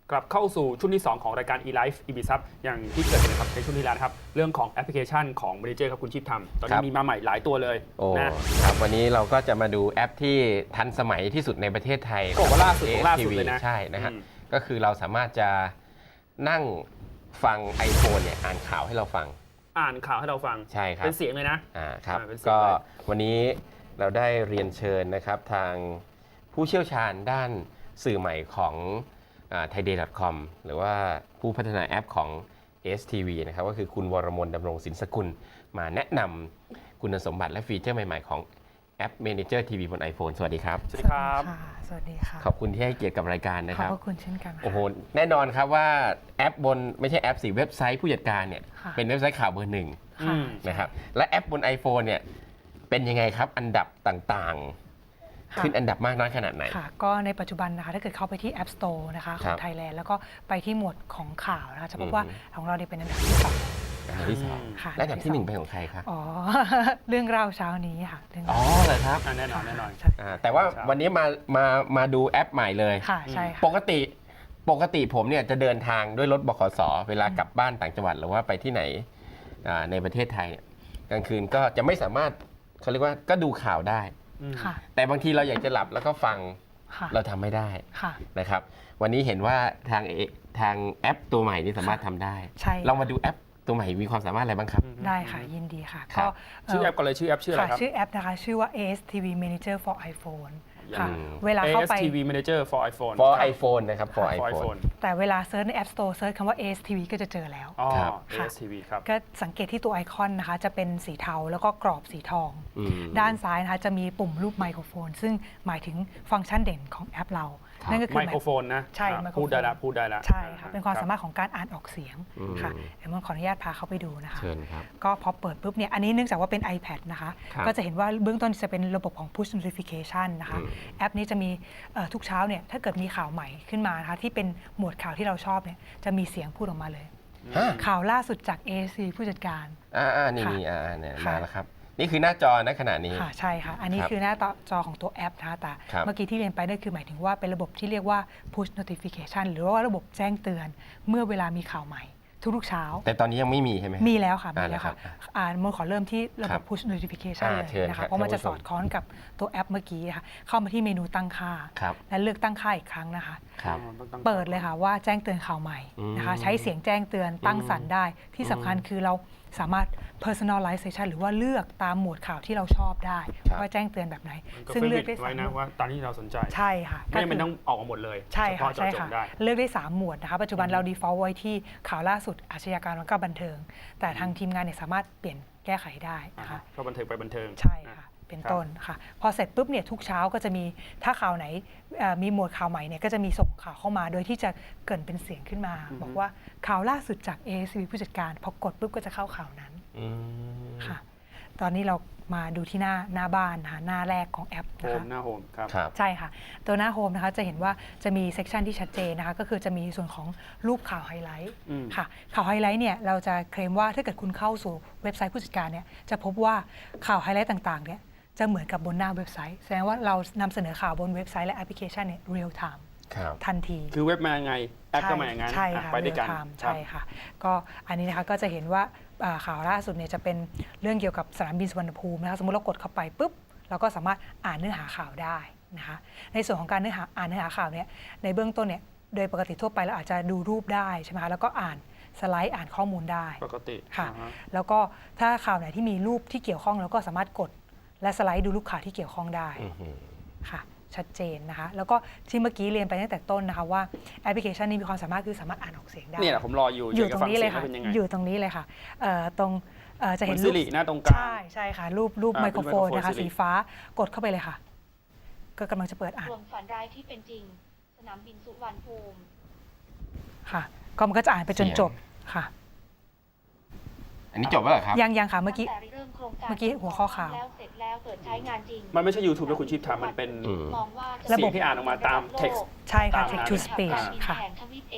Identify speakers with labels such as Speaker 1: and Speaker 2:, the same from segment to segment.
Speaker 1: กลับเข้าสู่ช่วงที่ 2 ของรายการ eLife eBiz อย่างที่เกิดนะครับในช่วงที่แล้วนะครับเรื่องของแอปพลิเคชันของ Manager ครับคุณชีพทำตอนนี้มีมาใหม่หลายตัวเลย
Speaker 2: นะครับวันนี้เราก็จะมาดูแอปที่ทันสมัยที่สุดในประเทศไทย
Speaker 1: ก็ว่าล่าสุดเลยนะ
Speaker 2: ใช่นะฮะก็คือเราสามารถจะนั่งฟัง iPhone เนี่ยอ่านข่าวให้เราฟัง
Speaker 1: อ่านข่าวให้เราฟัง
Speaker 2: ใช่ครับ
Speaker 1: เป็นเสียงเลยนะครับ
Speaker 2: ก็วันนี้เราได้เรียนเชิญนะครับทางผู้เชี่ยวชาญด้านสื่อใหม่ของthaiday.com หรือว่าผู้พัฒนาแอปของ STV นะครับก็คือคุณวรมน ดำรงศิลป์สกุลมาแนะนำคุณสมบัติและฟีเจอร์ใหม่ๆของแอป Manager TV บน iPhone สวัสดีครับ
Speaker 1: สวัสดีครับ
Speaker 3: สวัสดีค่ะ
Speaker 2: ขอบคุณที่ให้เกียรติกับรายการนะครับ
Speaker 3: ขอบคุณเช่นกัน
Speaker 2: โอ้โหแน่นอนครับว่าแอปบนไม่ใช่แอปสิเว็บไซต์ผู้จัดการเนี่ยเป็นเว็บไซต์ข่าวเบอร์หนึ่งนะครับและแอปบน iPhone เนี่ยเป็นยังไงครับอันดับต่างๆขึ้นอันดับมากน้อยขนาดไหน
Speaker 3: ค่ะก็ในปัจจุบันนะคะถ้าเกิดเข้าไปที่ App Store นะคะของไทยแลนด์แล้วก็ไปที่หมวดของข่าวนะคะจะพบว่าของเราเป็นอันดับที่2
Speaker 2: อันดับที่2และอันดับที่1เป็นของใครครับ
Speaker 3: อ๋อเรื่องราวเช้านี้ค่ะ
Speaker 2: อ๋อเหรอครับ
Speaker 1: แน่นอน
Speaker 2: แต่ว่าวันนี้มาดูแอปใหม่เลย
Speaker 3: ค่ะใช่ค่ะ
Speaker 2: ปกติผมเนี่ยจะเดินทางด้วยรถบขส.เวลากลับบ้านต่างจังหวัดหรือว่าไปที่ไหนในประเทศไทยกลางคืนก็จะไม่สามารถเขาเรียกว่าก็ดูข่าวได้แต่บางทีเราอยากจะหลับแล้วก็ฟังเราทำไม่ได้นะครับวันนี้เห็นว่าทางแอปตัวใหม่นี่สามารถทำได้เรามาดูแอปตัวใหม่มีความสามารถอะไรบ้างครับ
Speaker 3: ได้ค่ะยินดีค่ะ
Speaker 1: ก็ชื่อแอปก่อนเลยชื่อแอปชื่ออะไรครับ
Speaker 3: ชื่อแอปนะคะชื่อว่า ASTV Manager for iPhone ค่ะเวลาเข้าไป
Speaker 1: ASTV Manager for
Speaker 2: iPhone นะครับ for iPhone
Speaker 3: แต่เวลาเซิร์ชใน App Store เซิร์ชคำว่า ASTV ก็จะเจอแล้ว
Speaker 1: ASTV ครับ
Speaker 3: ก็สังเกตที่ตัวไอคอนนะคะจะเป็นสีเทาแล้วก็กรอบสีทองด้านซ้ายนะคะจะมีปุ่มรูปไมโครโฟนซึ่งหมายถึงฟังก์ชันเด่นของแอปเรานั่นก็คือ
Speaker 1: ไมโครโฟนนะ
Speaker 3: ใช่
Speaker 1: พูดได้แล้ว
Speaker 3: ใช่ค่ะเป็นความสามารถของการอ่านออกเสียงค่ะเดี๋ยวผมขออนุญาตพาเขาไปดูนะคะก็พอเปิดปุ๊บเนี่ยอันนี้เนื่องจากว่าเป็น iPad นะคะก็จะเห็นว่าเบื้องต้นจะเป็นระบบของ push notification นะคะแอปนี้จะมีทุกเช้าเนี่ยถ้าเกิดมีข่าวใหม่ขึ้นมานะคะที่เป็นหมวดข่าวที่เราชอบเนี่ยจะมีเสียงพูดออกมาเลยข่าวล่าสุดจาก AC ผู้จัดการ
Speaker 2: นี่มาแล้วครับนี่คือหน้าจอณขณะนี้
Speaker 3: ค่ะใช่ค่ะอันนี้คือหน้าจอของตัวแอปนะคะแต่เมื่อกี้ที่เรียนไปนั่นคือหมายถึงว่าเป็นระบบที่เรียกว่า push notification หรือว่าระบบแจ้งเตือนเมื่อเวลามีข่าวใหม่ทุกเช้า
Speaker 2: แต่ตอนนี้ยังไม่มีใช่ไหม
Speaker 3: มีแล้วค่ะมีแล้วค่ะมันขอเริ่มที่ระบบ push notification เลยนะคะเพราะมันจะสอดคล้องกับตัวแอปเมื่อกี้ค่ะเข้ามาที่เมนูตั้งค่าและเลือกตั้งค่าอีกครั้งนะคะเปิดเลยค่ะว่าแจ้งเตือนข่าวใหม่นะคะใช้เสียงแจ้งเตือนตั้งสั่นได้ที่สำคัญคือเราสามารถ personalization หรือว่าเลือกตามหมวดข่าวที่เราชอบได้ว่าแจ้งเตือนแบบไหน
Speaker 1: ซึ่งเลือกได้3นะว่าตามที่เราสนใจ
Speaker 3: ใช่ค่ะ
Speaker 1: ไม่จำเป็นต้องออกมาหมดเลย
Speaker 3: ใช่ค่ะใช่ค่ะเลือกได้3หมวดนะคะปัจจุบันเรา default ไว้ที่ข่าวล่าสุดอาชญากรรมและก็บันเทิงแต่ทางทีมงานเนี่ยสามารถเปลี่ยนแก้ไขได้นะคะ
Speaker 1: ก็บันเทิงไปบันเทิง
Speaker 3: ใช่ค่ะเป็นต้นค่ะพอเสร็จปุ๊บเนี่ยทุกเช้าก็จะมีถ้าข่าวไหนมีหมวดข่าวใหม่เนี่ยก็จะมีส่งข่าวเข้ามาโดยที่จะเกิดเป็นเสียงขึ้นมาบอกว่าข่าวล่าสุดจาก ASV ผู้จัดการพอกดปุ๊บก็จะเข้าข่าวนั้นค่ะตอนนี้เรามาดูที่หน้าบ้านนะคะหน้าแรกของแอปนะคะ
Speaker 1: หน้าโฮมครับ
Speaker 3: ใช่ค่ะตัวหน้าโฮมนะคะจะเห็นว่าจะมีเซกชันที่ชัดเจนนะคะก็คือจะมีส่วนของรูปข่าวไฮไลท์ค่ะข่าวไฮไลท์เนี่ยเราจะเคลมว่าถ้าเกิดคุณเข้าสู่เว็บไซต์ผู้จัดการเนี่ยจะพบว่าข่าวไฮไลท์ต่างๆเนี่ยจะเหมือนกับบนหน้าเว็บไซต์แสดงว่าเรานำเสนอข่าวบนเว็บไซต์และแอปพลิเคชันเนี่ยเรียลไทม์ทันที
Speaker 1: คือเว็บมาไงแอปก็มาอย่างนั้น
Speaker 3: ใช่ค่ะ
Speaker 1: ไปด้วยกัน
Speaker 3: ใช่ค่ะก็อันนี้นะคะก็จะเห็นว่าข่าวล่าสุดเนี่ยจะเป็นเรื่องเกี่ยวกับสนามบินสุวรรณภูมินะคะสมมติเรากดเข้าไปปุ๊บเราก็สามารถอ่านเนื้อหาข่าวได้นะคะในส่วนของการอ่านเนื้อหาข่าวเนี่ยในเบื้องต้นเนี่ยโดยปกติทั่วไปเราอาจจะดูรูปได้ใช่ไหมคะแล้วก็อ่านสไลด์อ่านข้อมูลได้
Speaker 1: ปกติ
Speaker 3: ค่ะแล้วก็ถ้าข่าวไหนที่มีรูปที่เกี่ยวข้องเราก็สามารถกดและสไลด์ดูรูปข่าวที่เกี่ยวข้องได้ค่ะชัดเจนนะคะแล้วก็ที่เมื่อกี้เรียนไปตั้งแต่ต้นนะคะว่าแอปพลิเคชันนี้มีความสามารถคือสามารถอ่านออกเสียงได้
Speaker 1: เนี่ยผมรออยู่
Speaker 3: ตรงนี้เลยค่ะอยู่ตรงนี้เลยค่ะตรงจะเห็น
Speaker 1: รูปหน้าตรงกลาง
Speaker 3: ใช่ค่ะรูปไมโครโฟนนะคะสีฟ้ากดเข้าไปเลยค่ะก็กำลังจะเปิดอ่าน
Speaker 4: รวมฝันร้ายที่เป็นจริงสนามบินสุวรรณภูมิ
Speaker 3: ค่ะก็มันก็จะอ่านไปจนจบค่ะ
Speaker 2: อันนี้จบแล้วเหรอครับ
Speaker 3: ยังค่ะเมื่อกี้หัวข้อข่าว
Speaker 1: มันไม่ใช่ YouTube แล้วคุณชีพทำมันเป็นระบบที่อ่านออกมาตาม text
Speaker 3: ใช่ค่ะ text to speech ค่ะ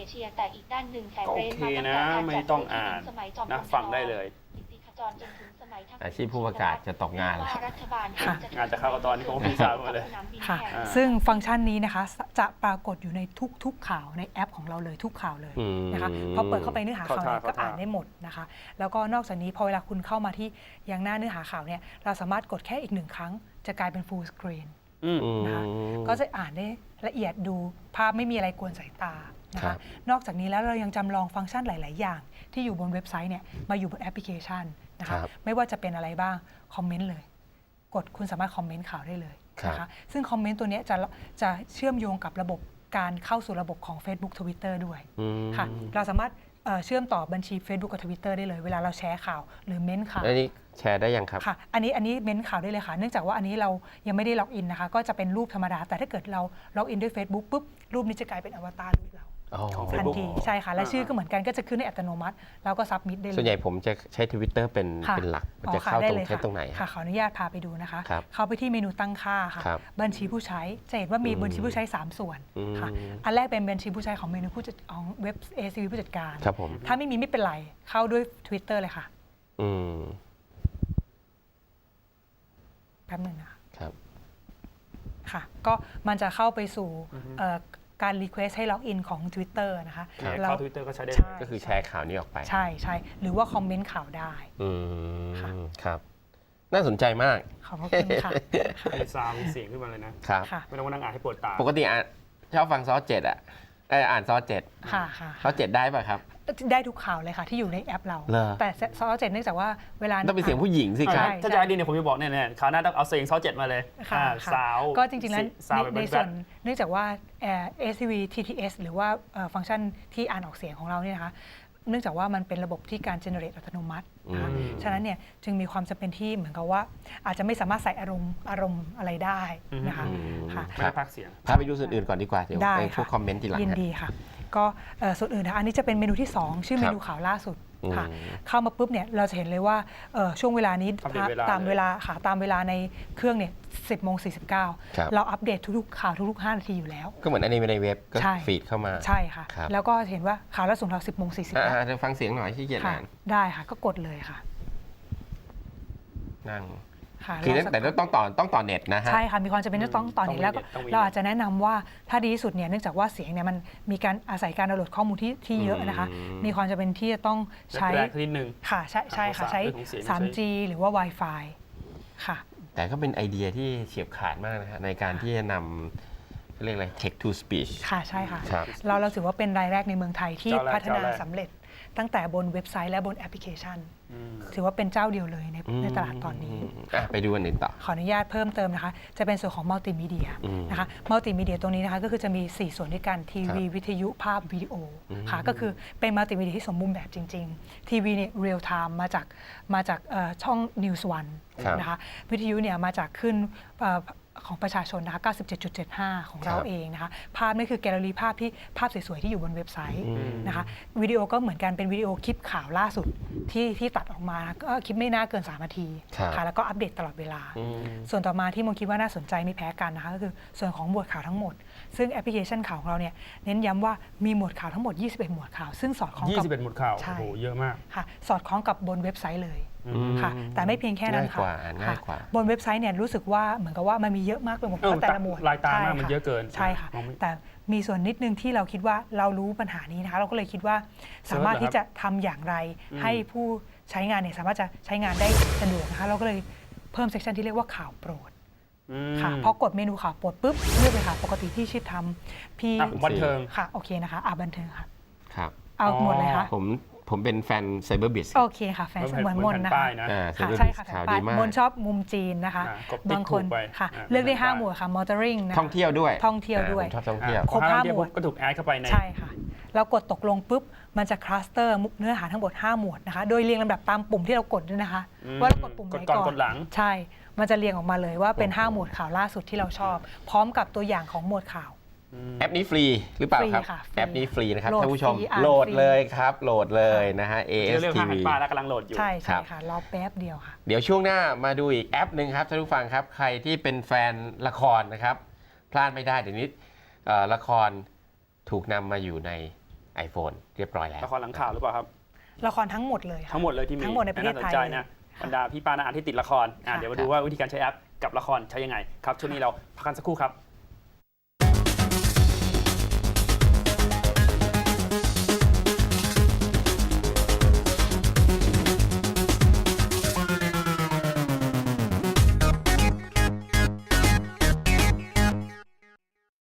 Speaker 1: โอเคนะไม่ต้องอ่านนะฟังได้เลย
Speaker 2: อาชีพผู้ประกาศจะตกงานแล้ว
Speaker 4: ว่ารัฐบาล
Speaker 3: ค่ะ
Speaker 1: งานจะเข้าก็ตอนนี้ผมพี่สาวมาเลย
Speaker 4: สนามบิน
Speaker 3: ค่ะ
Speaker 4: แห่ง
Speaker 1: อ่า
Speaker 3: ซึ่งฟังก์ชันนี้นะคะจะปรากฏอยู่ในทุกข่าวในแอปของเราเลยทุกข่าวเลยนะคะพอเปิดเข้าไปเนื้อหาข่าวไหนก็อ่านได้หมดนะคะแล้วก็นอกจากนี้พอเวลาคุณเข้ามาที่ยังหน้าเนื้อหาข่าวเนี่ยเราสามารถกดแค่อีก1 ครั้งจะกลายเป็น full screen นะคะก็จะอ่านได้ละเอียดดูภาพไม่มีอะไรกวนสายตานะ
Speaker 2: ครั
Speaker 3: คะ
Speaker 2: บ
Speaker 3: นอกจากนี้แล้วเรายังจำลองฟังก์ชันหลาย ๆ อย่าง ที่อยู่บนเว็บไซต์เนี่ยมาอยู่บนแอปพลิเคชันนะคะไม่ว่าจะเป็นอะไรบ้างคอมเมนต์เลยกดคุณสามารถคอมเมนต์ข่าวได้เลยนะคะซึ่งคอมเมนต์ตัวเนี้ยจะเชื่อมโยงกับระบบการเข้าสู่ระบบของ Facebook Twitter ด้วยค่ะเราสามารถเชื่อมต่อบัญชี Facebook กับ Twitter ได้เลยเวลาเราแชร์ข่าวหรือเม้นต์ข่าว
Speaker 2: อันนี้แชร์ได้ยังครับ
Speaker 3: ค่ะอันนี้เม้นข่าวได้เลยค่ะเนื่องจากว่าอันนี้เรายังไม่ได้ล็อกอินนะคะก็จะเป็นรูปธรรมดาแต่ถ้าเกิดเราล็อกอินด้วย Facebook ปุ๊บรูปนี้จะกลายเป็นอวตารรูปเรา
Speaker 1: ของ
Speaker 3: ทัน
Speaker 1: Facebook
Speaker 3: ทีใช่ค่ะและชื่อก็เหมือนกันก็จะขึ้นในอัตโนมัติแล้วก็ซับมิดได้เลย
Speaker 2: ส่วนใหญ่ผมจะใช้ Twitter เป็น
Speaker 3: ค่ะ
Speaker 2: หลักมัน
Speaker 3: อ๋อ
Speaker 2: จะ
Speaker 3: ค่ะ
Speaker 2: เข้า
Speaker 3: ได้
Speaker 2: ตรง
Speaker 3: เลย
Speaker 2: ใช้ตรงไหน
Speaker 3: ค่ะขออนุญาตพาไปดูนะคะ
Speaker 2: ครับ
Speaker 3: เข้าไปที่เมนูตั้งค่าค่ะ
Speaker 2: ครับ
Speaker 3: บัญชีผู้ใช้จะเห็นว่ามีบัญชีผู้ใช้ 3 ส่วนค่ะอันแรกเป็นบัญชีผู้ใช้ของเมนูผู้จัดของเว็บ ACV ผู้จัดการ
Speaker 2: ครับผม
Speaker 3: ถ้าไม่มีไม่เป็นไรเข้าด้วย Twitter เลยค่ะ
Speaker 2: อืม
Speaker 3: แป๊บหนึงนะคะ
Speaker 2: ครับ
Speaker 3: ค่ะก็มันจะเข้าไปสู่การรีเควสให้ล็อกอินของ Twitter นะคะ
Speaker 2: ครับ
Speaker 3: เรา
Speaker 1: เข้า Twitter ก็ใช้ได้
Speaker 3: ใช่
Speaker 1: เลย
Speaker 2: ก็คือแชร์ข่าวนี้ออกไป
Speaker 3: ใช่ใช่หรือว่าคอมเมนต์ข่าวได้
Speaker 2: อื
Speaker 3: ค่ะ
Speaker 2: มครับ น่าสนใจมาก
Speaker 3: ขอบพระคุณค่ะ
Speaker 1: มีซาวด์มีเสียงขึ้นมาเลยนะ
Speaker 2: ครับ
Speaker 3: ค่ะ
Speaker 1: ไม่ต้องมานั่งอ่านให้ปวดตา
Speaker 2: ปกติชอบฟังซอสเจ็ดอ่านซอสเจ็ด
Speaker 3: ค่ะค่ะ
Speaker 2: ซอสเจ็ดได้ป่ะครับ
Speaker 3: ได้ทุกข่าวเลยค่ะที่อยู่ในแอปเรา
Speaker 2: เหรอ
Speaker 3: แต่ซอสเจ็ดเนื่องจากว่าเวลา
Speaker 2: ต้องเป็นเสียงผู้หญิงสิครับ
Speaker 3: ใช่
Speaker 1: ถ้าจะให้ดีเนี่ยผมจะบอกเนี่ยคราวหน้าต้องเอาเสียงซอสเจ็ดมาเลย
Speaker 3: ค่ะ
Speaker 1: อ่า
Speaker 3: ค่ะ
Speaker 1: สาว
Speaker 3: ก็จริงๆแล้ว
Speaker 1: สาวแบบ
Speaker 3: ใน
Speaker 1: แบ
Speaker 3: ส่ว
Speaker 1: ด
Speaker 3: นเนื่องจากว่า ACV TTS หรือว่าฟังก์ชันที่อ่านออกเสียงของเราเนี่ยนะคะเนื่องจากว่ามันเป็นระบบที่การ generate อัตโนมัตินะคะฉะนั้นเนี่ยจึงมีความจำเป็นที่เหมือนกับว่าอาจจะไม่สามารถใส่อารมณ์อะไรได้นะคะ
Speaker 2: อืม
Speaker 3: ค่ะ
Speaker 1: ไม่ได้พักเสียง
Speaker 2: พาไปดูส่วนอื่นก่อนดีกว่า เดี๋ยว
Speaker 3: ได้
Speaker 2: ไปพว
Speaker 3: ค่ะ
Speaker 2: กคอมเมนต์ทีหลัง
Speaker 3: ยิน
Speaker 2: ฮะ
Speaker 3: ดีค่ะ ก็ส่วนอื่นนะคะอันนี้จะเป็นเมนูที่ 2 ชื่อเมนูข่าวล่าสุดค่ะ
Speaker 2: อืม
Speaker 3: เข้ามาปุ๊บเนี่ยเราจะเห็นเลยว่าช่วงเวลานี้
Speaker 1: อัปเดตเวลา
Speaker 3: ตามเวลาค่ะตามเวลาในเครื่องเนี่ย10:49
Speaker 2: ครับ
Speaker 3: เราอัปเดตทุกๆข่าวทุกๆ5 นาทีอยู่แล้ว
Speaker 2: ก็เหมือนอันนี้ในเว็บก็
Speaker 3: ใช่
Speaker 2: ฟีดเข้ามา
Speaker 3: ใช่ค่ะ
Speaker 2: ครับ
Speaker 3: แล้วก็เห็นว่าข่าวล่าสุดเรา10:40
Speaker 2: อ่าเดี๋ยวฟังเสียงหน่อยที่เกียจ
Speaker 3: ค่ะ
Speaker 2: อ่าน
Speaker 3: ได้ค่ะก็กดเลยค่ะ
Speaker 2: นั่ง
Speaker 3: ค่ะ
Speaker 2: คือ
Speaker 3: รสัก
Speaker 2: แต่ต้องต่อเน็ตนะฮะ
Speaker 3: ใช่ค่ะมีความจำเป็นจะต้องต่อเน็ตแล้วก็
Speaker 1: ต้องมี
Speaker 3: เราอาจจะแนะนำว่าถ้าดีที่สุดเนี่ยเนื่องจากว่าเสียงเนี่ยมันมีการอาศัยการดาวน์โหลดข้อมูลที่เยอะนะคะ มีความจำเป็นที่จะต้องใช้
Speaker 1: แรกๆนิดนึง
Speaker 3: ค่ะใช่ค่ะใช้
Speaker 1: เรื่องของเสียง
Speaker 3: 3G หรือว่า Wi-Fi ค่ะ
Speaker 2: แต่ก็เป็นไอเดียที่เฉียบขาดมากนะฮะในการที่จะนำเรียกอะไร text to speech
Speaker 3: ค่ะใช่ค่ะ
Speaker 2: ครับ
Speaker 3: เราถือว่าเป็นรายแรกในเมืองไทยที่
Speaker 1: เจ้าแรก
Speaker 3: พัฒนา
Speaker 1: เจ้าแรก
Speaker 3: สำเร็จตั้งแต่บนเว็บไซต์และบนแอปพลิเคชัน
Speaker 1: อืม
Speaker 3: ถือว่าเป็นเจ้าเดียวเลยในตลาดตอนนี้
Speaker 2: ไปดูอันอื่นต่อ
Speaker 3: ขออนุญาตเพิ่มเติมนะคะ จะเป็นส่วนของมัลติมีเดียนะคะมัลติมีเดียตรงนี้นะคะก็คือจะมี 4 ส่วนด้วยกันทีวีวิทยุภาพวิดีโอค่ะก็คือเป็นมัลติมีเดียที่สมบูรณ์แบบจริงๆทีวีเนี่ยเรียลไทม์มาจากช่อง News One
Speaker 2: ครับ
Speaker 3: นะคะวิทยุเนี่ยมาจากขึ้นของประชาชนนะคะ 97.75 ของเรา
Speaker 2: ครับ
Speaker 3: เองนะคะภาพนี่คือแกลเลอรี่ภาพสวยๆที่อยู่บนเว็บไซต์นะคะวิดีโอก็เหมือนกันเป็นวิดีโอคลิปข่าวล่าสุดที่ตัดออกมาก็คลิปไม่น่าเกิน3 นาที
Speaker 2: ครับ
Speaker 3: ค่ะแล้วก็อัปเดตตลอดเวลา ส่วนต่อมาที่มงคิดว่าน่าสนใจไม่แพ้กันนะคะก็คือส่วนของหมวดข่าวทั้งหมด ซึ่งแอปพลิเคชันข่าวของเราเนี่ยเน้นย้ำว่ามีหมวดข่าวทั้งหมด 21 หมวดข่าว ซึ่งสอดคล้องกับ
Speaker 1: 21 หมวดข่าว
Speaker 3: ใช่
Speaker 1: โอ้โหเยอะมาก
Speaker 3: ค่ะสอดคล้องกับบนเว็บไซต์เลยค่ะแต่ไม่เพียงแค่นั้นค่ะ
Speaker 2: ง่ายกว่า
Speaker 3: บนเว็บไซต์เนี่ยรู้สึกว่าเหมือนกับว่ามันมีเยอะมากไปหมด
Speaker 1: เออ
Speaker 3: แต่ละหมวด
Speaker 1: ลายตามาก
Speaker 3: ใช่
Speaker 1: มัน
Speaker 3: ค่ะ
Speaker 1: เยอะเกิน
Speaker 3: ใช่ค่ะ
Speaker 1: มองไม่
Speaker 3: แต่มีส่วนนิดนึงที่เราคิดว่าเรารู้ปัญหานี้นะคะเราก็เลยคิดว่าสามารถที่จะทำอย่างไรให้ผู้ใช้งานเนี่ยสามารถจะใช้งานได้สะดวกนะคะเราก็เลยเพิ่มเซสชันที่เรียกว่าข่าวโปรด ค่ะพอกดเมนูข่าวโปรดปุ๊บเลือกเลยค่ะปกติที่ชิดทำพี่
Speaker 1: อ่ะบันเทิง
Speaker 3: ค่ะโอเคนะคะบันเทิงค่ะ
Speaker 2: ครับ
Speaker 3: เอาหมดเลยค่ะ
Speaker 2: ผมเป็นแฟนไซเบอร์บิส
Speaker 3: โอเคค่ะแฟนเหมือนมน
Speaker 1: แผ่
Speaker 3: นะคะ
Speaker 1: ป้ายนะ
Speaker 3: ค่ะ
Speaker 2: Cyber
Speaker 3: ใช่
Speaker 2: Biz
Speaker 3: ค่ะ
Speaker 2: ข่าว
Speaker 3: แผ่น
Speaker 2: ดี
Speaker 3: ป้าย
Speaker 2: มาก
Speaker 3: มนชอบมุมจีนนะคะ
Speaker 1: กดติ๊ก
Speaker 3: บางคน
Speaker 1: ถูกไป
Speaker 3: ค่ะ
Speaker 1: อ่า
Speaker 3: เลือกได้
Speaker 1: แผ่นป้าย
Speaker 3: 5 หมวดค่ะ motoring นะคะ
Speaker 2: ท่องเที่ยวด้วย
Speaker 3: ท่องเที่ยวด้วย
Speaker 2: ผมชอบท่องเที่ยว
Speaker 3: ครบ
Speaker 1: พอ
Speaker 3: 5 หมวด
Speaker 1: ก็ถูกแอดเข้าไปใน
Speaker 3: ใช่ค่ะเรากดตกลงปุ๊บมันจะคลัสเตอร์เนื้อหาทั้งหมด5 หมวดนะคะโดยเรียงลำดับตามปุ่มที่เรากดด้วยนะคะว่าเรากดปุ่มไหน
Speaker 1: กดก่
Speaker 3: ก่
Speaker 1: อน
Speaker 3: อน
Speaker 1: กดหลัง
Speaker 3: ใช่มันจะเรียงออกมาเลยว่าเป็น5 หมวดข่าวล่าสุดที่เราชอบ พร้อมกับตัวอย่างของหมวดข่าว
Speaker 2: แอปนี้ฟรีหรือเปล่าครับ
Speaker 3: ฟรีค่ะฟรี
Speaker 2: แอปนี้ฟรีนะครับ
Speaker 3: โหลด
Speaker 2: ท่านผู้ชม
Speaker 3: ฟรีอ่าน
Speaker 2: โหลด
Speaker 3: ฟรี
Speaker 2: เลยครับ โหลดเลยนะฮะ
Speaker 1: เรื่อง
Speaker 2: ASTV
Speaker 1: ทางหันป้ายแล้วกำลังโหลดอยู่
Speaker 3: ใช่
Speaker 2: ครั
Speaker 3: ใช่
Speaker 2: บ
Speaker 3: ค่ะรอแป๊บเดียวค่ะ
Speaker 2: เดี๋ยวช่วงหน้ามาดูอีกแอปหนึ่งครับท่านผู้ฟังครับ ใครที่เป็นแฟนละครนะครับ พลาดไม่ได้เดี๋ยวนี้ละครถูกนำมาอยู่ใน iPhone เรียบร้อยแล้ว
Speaker 1: ละครหลังข่าวหรือเปล่าครับ
Speaker 3: ละครทั้งหมดเลยค่ะ
Speaker 1: ทั้งหมดเลยที่มี
Speaker 3: ทั้งหมดในประเทศไทย
Speaker 1: าสนใจนะบรรดาพี่ป้าน้าอาที่ติดละครเดี๋ยวมาดูว่าวิธีการใช้แอปกับละครใช้ยังไงครับช่วงนี้เราพักกันสักครู่ครับ